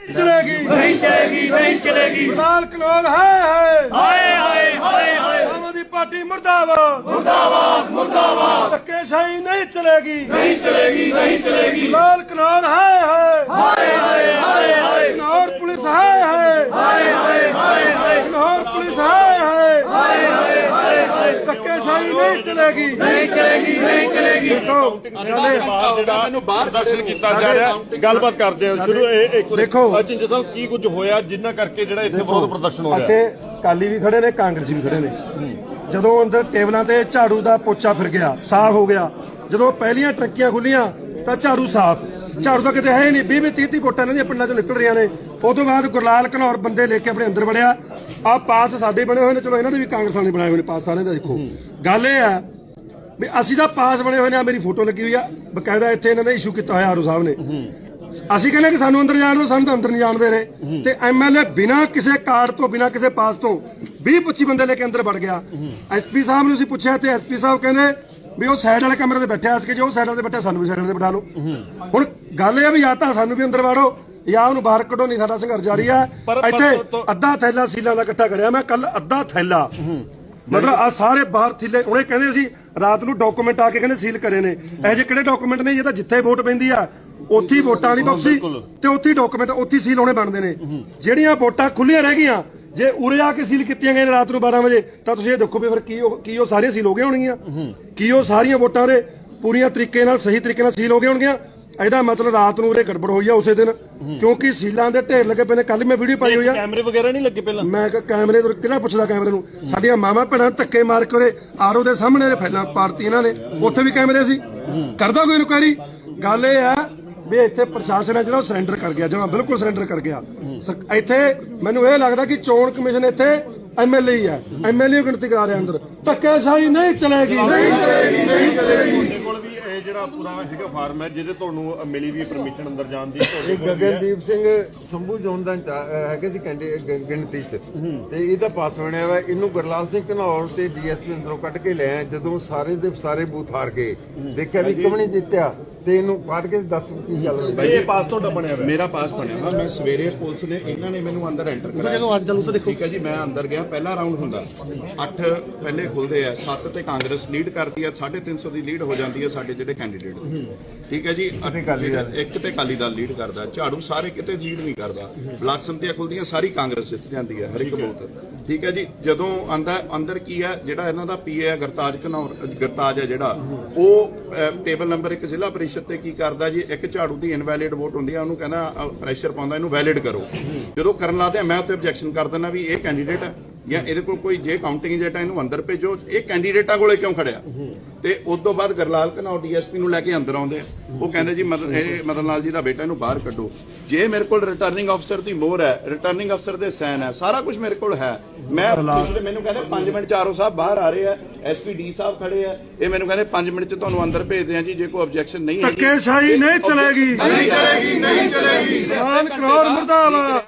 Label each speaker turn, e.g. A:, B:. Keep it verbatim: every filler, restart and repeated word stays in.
A: चलेगी
B: नहीं चलेगी नहीं चलेगी
A: लाल कनौर है है
B: हाय हाय हाय हाय
A: आम आदमी पार्टी मुर्दाबाद
B: मुर्दाबाद मुर्दाबाद
A: धक्केशाही नहीं चलेगी
B: नहीं चलेगी नहीं चलेगी
A: लाल कनौर है है
B: हाय हाय हाय हाय
A: कनौर पुलिस है है
B: हाय हाय हाय हाय
A: कनौर पुलिस है है
B: हाय हाय हाय हाय
A: धक्केशाही नहीं चलेगी
B: नहीं चलेगी नहीं चलेगी
C: ਮੈਨੂੰ ਬਾਹਰ ਦਰਸ਼ਨ ਕੀਤਾ ਜਾ ਰਿਹਾ ਗੱਲਬਾਤ ਕਰਦੇ ਹਾਂ ਸ਼ੁਰੂ ਇਹ ਇੱਕ
A: ਦੇਖੋ
C: ਚਿੰਜਾ ਸਾਹਿਬ ਕੀ ਕੁਝ ਹੋਇਆ ਜਿੰਨਾ ਕਰਕੇ ਜਿਹੜਾ ਇੱਥੇ ਵਿਰੋਧ ਪ੍ਰਦਰਸ਼ਨ ਹੋ ਰਿਹਾ
A: ਇੱਥੇ ਕਾਲੀ ਵੀ ਖੜੇ ਨੇ ਕਾਂਗਰਸੀ ਵੀ ਖੜੇ ਨੇ ਜਦੋਂ ਅੰਦਰ ਟੇਬਲਾਂ ਤੇ ਝਾੜੂ ਦਾ ਪੋਚਾ ਫਿਰ ਗਿਆ ਸਾਫ਼ ਹੋ ਗਿਆ ਜਦੋਂ ਪਹਿਲੀਆਂ ਟਰੱਕੀਆਂ ਖੁੱਲੀਆਂ ਤਾਂ ਝਾੜੂ ਸਾਫ਼ ਝਾੜੂ ਤਾਂ ਕਿਤੇ ਹੈ ਹੀ ਨਹੀਂ ਵੀਹ ਵੀਹ ਤੀਹ ਤੀਹ ਵੋਟਾਂ ਇਹਨਾਂ ਦੀਆਂ ਪਿੰਡਾਂ ਚੋਂ ਨਿਕਲ ਰਹੀਆਂ ਨੇ ਉਹ ਤੋਂ ਬਾਅਦ ਗੁਰਲਾਲ ਘਨੌਰ ਬੰਦੇ ਲੈ ਕੇ ਆਪਣੇ ਅੰਦਰ ਵੜਿਆ ਆਹ ਪਾਸ ਸਾਡੇ ਬਣੇ ਹੋਏ ਨੇ ਚਲੋ ਇਹਨਾਂ ਦੇ ਵੀ ਕਾਂਗਰਸ ਵਾਲੇ ਬਣਾਏ ਹੋਏ ਨੇ ਪਾਸ ਸਾਰਿਆਂ ਦਾ ਦੇਖੋ ਗੱਲ ਇਹ ਆ ਵੀ ਅਸੀਂ ਤਾਂ ਪਾਸ ਬਣੇ ਹੋਏ ਨੇ ਮੇਰੀ ਫੋਟੋ ਲੱਗੀ ਹੋਈ ਆ ਬਕਾਇਦਾ ਇੱਥੇ ਇਹਨਾਂ ਨੇ ਇਸ਼ੂ ਕੀਤਾ ਹੋਇਆ ਆਰੂ ਸਾਹਿਬ ਨੇ ਅਸੀਂ ਕਹਿੰਦੇ ਕਿ ਸਾਨੂੰ ਅੰਦਰ ਜਾਣ ਦਿਓ ਸਾਨੂੰ ਤਾਂ ਅੰਦਰ ਨਹੀਂ ਜਾਣ ਦੇ ਰਹੇ ਤੇ ਐਮਐਲਏ ਬਿਨਾਂ ਕਿਸੇ ਕਾਰਡ ਤੋਂ ਬਿਨਾਂ ਕਿਸੇ ਪਾਸ ਤੋਂ ਵੀਹ ਪੱਚੀ ਬੰਦੇ ਲੈ ਕੇ ਅੰਦਰ ਵੜ ਗਿਆ ਐਸਪੀ ਸਾਹਿਬ ਨੂੰ ਅਸੀਂ ਪੁੱਛਿਆ ਤੇ ਐਸਪੀ ਸਾਹਿਬ ਕਹਿੰਦੇ ਵੀ ਉਹ ਸਾਈਡ ਵਾਲੇ ਕਮਰੇ ਤੇ ਬੈਠਿਆ ਸੀ ਕਿ ਜੋ ਸਾਈਡ ਤੇ ਬੈਠਾ ਸਾਨੂੰ ਵੀ ਸਾਈਡ ਤੇ ਬਿਠਾ ਲਓ ਹੁਣ ਗੱਲ ਇਹ ਆ ਵੀ ਜਾਂ ਤਾਂ ਸਾਨੂੰ ਵੀ ਅੰਦਰ ਵਾੜੋ ਜਾਂ ਉਹਨੂੰ ਬਾਹਰ ਕੱਢੋ ਨਹੀਂ ਸਾਡਾ ਸੰਘਰਸ਼ ਜਾਰੀ ਆ ਇੱਥੇ ਅੱਧਾ ਥੈਲਾ ਸੀਲਾਂ ਦਾ ਇਕੱਠਾ ਕਰਿਆ ਮੈਂ ਕੱਲ ਅੱਧਾ ਥੈਲਾ ਮਤਲਬ ਆ ਸਾਰੇ ਬਾਹਰ ਥੀਲੇ ਉਹਨੇ ਕਹਿੰਦੇ ਸੀ ਰਾਤ ਨੂੰ ਡਾਕੂਮੈਂਟ ਆ ਕੇ ਕਹਿੰਦੇ ਸੀਲ ਕਰੇ ਨੇ ਇਹ ਜਿਹੇ ਕਿਹੜੇ ਡਾਕੂਮੈਂਟ ਨੇ ਇਹ ਤਾਂ ਜਿੱਥੇ ਵੋਟ ਪੈਂਦੀ ਆ ਉੱਥੇ ਵੋਟਾਂ ਦੀ ਬਕਸੀ ਤੇ ਉੱਥੇ ਡਾਕੂਮੈਂਟ ਉੱਥੇ ਸੀਲ ਹੋਣੇ ਬਣਦੇ ਨੇ ਜਿਹੜੀਆਂ ਵੋਟਾਂ ਖੁੱਲੀਆਂ ਰਹਿ ਗਈਆਂ ਜੇ ਉਰੇ ਆ ਕੇ ਸੀਲ ਕੀਤੀਆਂ ਗਈਆਂ ਰਾਤ ਨੂੰ ਬਾਰਾਂ ਵਜੇ ਤਾਂ ਤੁਸੀਂ ਇਹ ਦੇਖੋ ਵੀ ਫਿਰ ਕੀ ਕੀ ਉਹ ਸਾਰੀਆਂ ਸੀਲ ਹੋ ਗਈਆਂ ਹੋਣਗੀਆਂ ਕੀ ਉਹ ਸਾਰੀਆਂ ਵੋਟਾਂ ਦੇ ਪੂਰੀਆਂ ਤਰੀਕੇ ਨਾਲ ਸਹੀ ਤਰੀਕੇ ਨਾਲ ਸੀਲ ਹੋ ਗਈਆਂ ਹੋਣਗੀਆਂ ਇਹਦਾ ਮਤਲਬ ਰਾਤ ਨੂੰ ਉਰੇ ਗੜਬੜ ਹੋਈ ਆ ਉਸੇ ਦਿਨ ਕਿਉਂਕਿ ਸੀਲਾਂ ਦੇ ਢੇਰ ਲੱਗੇ ਪਏ ਨੇ ਕੱਲ ਮੈਂ ਵੀਡੀਓ ਪਾਈ ਹੋਈ ਆ
C: ਕੈਮਰੇ ਵਗੈਰਾ ਨਹੀਂ ਲੱਗੇ ਪਹਿਲਾਂ ਮੈਂ
A: ਕਿਹਾ ਕੈਮਰੇ ਤੋਂ ਕਿਹੜਾ ਪੁੱਛਦਾ ਕੈਮਰੇ ਨੂੰ ਸਾਡੀਆਂ ਮਾਵਾਂ ਭੈਣਾਂ ਧੱਕੇ ਮਾਰ ਕੇ ਉਰੇ ਆਰਓ ਦੇ ਸਾਹਮਣੇ ਫੈਲਾਂ ਪਾਰਟੀ ਇਹਨਾਂ ਨੇ ਉੱਥੇ ਵੀ ਕੈਮਰੇ ਸੀ ਕਰਦਾ ਕੋਈ ਇਨਕੁਆਇਰੀ ਗੱਲ ਇਹ ਆ ਵੀ ਇੱਥੇ ਪ੍ਰਸ਼ਾਸਨ ਹੈ ਜਿਹੜਾ ਉਹ ਸਰੈਂਡਰ ਕਰ ਗਿਆ ਜਮਾਂ ਬਿਲਕੁਲ ਸਰੈਂਡਰ ਕਰ ਗਿਆ ਇੱਥੇ ਮੈਨੂੰ ਇਹ ਲੱਗਦਾ ਕਿ ਚੋਣ ਕਮਿਸ਼ਨ ਇੱਥੇ ਐਮਐਲਏ ਹੀ ਹੈ ਐਮਐਲਏ ਗਿਣਤੀ ਕਰਾ ਰਿਹਾ ਅੰਦਰ ਧੱਕੇਸ਼ਾਹੀ ਨਹੀਂ ਚਲੇਗੀ ਨਹੀਂ ਚਲੇਗੀ ਨਹੀਂ ਚਲੇਗੀ
C: ਕੋਲ ਵੀ ਇਹ ਜਿਹੜਾ ਪੂਰਾ ਹੈਗਾ ਫਾਰਮ ਹੈ ਜਿਹਦੇ ਤੁਹਾਨੂੰ ਮਿਲੀ ਵੀ ਪਰਮਿਸ਼ਨ ਅੰਦਰ ਜਾਣ ਦੀ
D: ਗਗਨਦੀਪ ਸਿੰਘ ਸੰਭੂ ਜੋਨ ਦਾ ਹੈਗੇ ਸੀ ਗਿਣਤੀ ਚ ਤੇ ਇਹਦਾ ਪਾਸ ਬਣਿਆ ਵਾ ਇਹਨੂੰ ਗੁਰਲਾਲ ਸਿੰਘ ਘਨੌਰ ਤੇ ਡੀਐਸਪੀ ਅੰਦਰੋਂ ਕੱਢ ਕੇ ਲਿਆ ਜਦੋਂ ਸਾਰੇ ਦੇ ਸਾਰੇ ਬੂਥ ਹਾਰ ਗਏ ਦੇਖਿਆ ਵੀ ਇੱਕ ਵੀ ਨਹੀਂ ਜਿੱਤਿਆ ਤੇ ਇਹਨੂੰ ਕੱਢ ਕੇ ਦੱਸ ਕੀ ਗੱਲ
C: ਹੋਈ ਇਹ ਪਾਸ ਤੁਹਾਡਾ ਬਣਿਆ ਹੋਇਆ
E: ਮੇਰਾ ਪਾਸ ਬਣਿਆ ਵਾ ਮੈਂ ਸਵੇਰੇ ਪੁਲਿਸ ਨੇ ਇਹਨਾਂ ਨੇ ਮੈਨੂੰ ਅੰਦਰ ਐਂਟਰ ਕਰਾਇਆ ਜਦੋਂ ਅੱਜ ਚੱਲੂ ਤਾਂ ਦੇਖੋ ਠੀਕ ਹੈ ਜੀ ਮੈਂ ਅੰਦਰ ਗਿਆ ਪਹਿਲਾ ਰਾਉਂਡ ਹੁੰਦਾ ਅੱਠ ਪਹਿਲੇ ਖੁੱਲਦੇ ਆ ਸੱਤ ਤੇ ਕਾਂਗਰਸ ਲੀਡ ਕਰਦੀ ਆ ਸਾਢੇ ਤਿੰਨ ਸੌ ਦੀ ਲੀਡ ਹੋ ਜਾਂਦੀ ਆ ਸਾਡੇ ਜਿਹੜੇ ਕੈਂਡੀਡੇਟ ਠੀਕ ਹੈ ਜੀ ਇੱਕ ਤੇ ਅਕਾਲੀ ਦਲ ਲੀਡ ਕਰਦਾ ਝਾੜੂ ਸਾਰੇ ਕਿਤੇ ਲੀਡ ਨਹੀਂ ਕਰਦਾ ਬਲਾਕ ਸੰਮਤੀਆਂ ਖੁੱਲਦੀਆਂ ਸਾਰੀ ਕਾਂਗਰਸ ਜਿੱਤ ਜਾਂਦੀ ਹੈ ਹਰ ਇੱਕ ਬੂਥ ਠੀਕ ਹੈ ਜੀ ਜਦੋਂ ਆਂਦਾ ਅੰਦਰ ਕੀ ਹੈ ਜਿਹੜਾ ਇਹਨਾਂ ਦਾ ਪੀਏ ਹੈ ਗਰਤਾਜ ਘਨੌਰ ਗਰਤਾਜ ਹੈ ਜਿਹੜਾ ਉਹ ਟੇਬਲ ਨੰਬਰ ਇੱਕ ਜ਼ਿਲ੍ਹਾ ਪਰਿਸ਼ਦ ਤੇ ਕੀ ਕਰਦਾ ਜੀ ਇੱਕ ਝਾੜੂ ਦੀ ਇਨਵੈਲਿਡ ਵੋਟ ਹੁੰਦੀ ਆ ਉਹਨੂੰ ਕਹਿੰਦਾ ਪ੍ਰੈਸ਼ਰ ਪਾਉਂਦਾ ਇਹਨੂੰ ਵੈਲਿਡ ਕਰੋ ਜਦੋਂ ਕਰਨ ਲਾਦੇ ਮੈਂ ਉੱਥੇ ਆਬਜੈਕਸ਼ਨ ਕਰ ਦਿੰਦਾ ਵੀ ਇਹ ਕੈਂਡੀਡੇਟ ਹੈ ਜਾਂ ਇਹਦੇ ਕੋਲ ਕੋਈ ਜੇ ਕਾਊਂਟਿੰਗ ਏਜੰਟ ਇਹਨੂੰ ਅੰਦਰ ਭੇਜੋ ਇਹ ਕੈਂਡੀਡੇਟਾਂ ਕੋਲੇ ਕਿਉਂ ਖੜਿਆ ਤੇ ਉਸ ਤੋਂ ਬਾਅਦ ਗਰਲਾਲ ਘਨੌਰ ਡੀਐਸਪੀ ਨੂੰ ਲੈ ਕੇ ਅੰਦਰ ਆਉਂਦੇ ਆ ਉਹ ਕਹਿੰਦੇ ਜੀ ਮਦਨ ਇਹ ਮਦਨ ਲਾਲ ਜੀ ਦਾ ਬੇਟਾ ਇਹਨੂੰ ਬਾਹਰ ਕੱਢੋ ਜੇ ਮੇਰੇ ਕੋਲ ਰਿਟਰਨਿੰਗ ਅਫਸਰ ਦੀ ਮੋਹਰ ਹੈ ਰਿਟਰਨਿੰਗ ਅਫਸਰ ਦੇ ਸਾਈਨ ਹੈ ਸਾਰਾ ਕੁਝ ਮੇਰੇ ਕੋਲ ਹੈ ਮੈਂ ਮੈਨੂੰ ਕਹਿੰਦੇ ਪੰਜ ਮਿੰਟ ਚਾਰੋ ਸਾਹਿਬ ਬਾਹਰ ਆ ਰਹੇ ਆ ਐਸਪੀ ਡੀ ਸਾਹਿਬ ਖੜੇ ਆ ਇਹ ਮੈਨੂੰ ਕਹਿੰਦੇ ਪੰਜ ਮਿੰਟ ਚ ਤੁਹਾਨੂੰ ਅੰਦਰ ਭੇਜਦੇ ਆ ਜੀ ਜੇ ਕੋਈ ਆਬਜੈਕਸ਼ਨ ਨਹੀਂ ਹੈ
A: ਧੱਕੇਸ਼ਾਹੀ ਨਹੀਂ ਚਲੇਗੀ
E: ਨਹੀਂ ਚਲੇਗੀ ਨਹੀਂ ਚਲੇਗੀ
A: ਲਾਲ ਘਨੌਰ ਮੁਰਦਾਬਾਦ।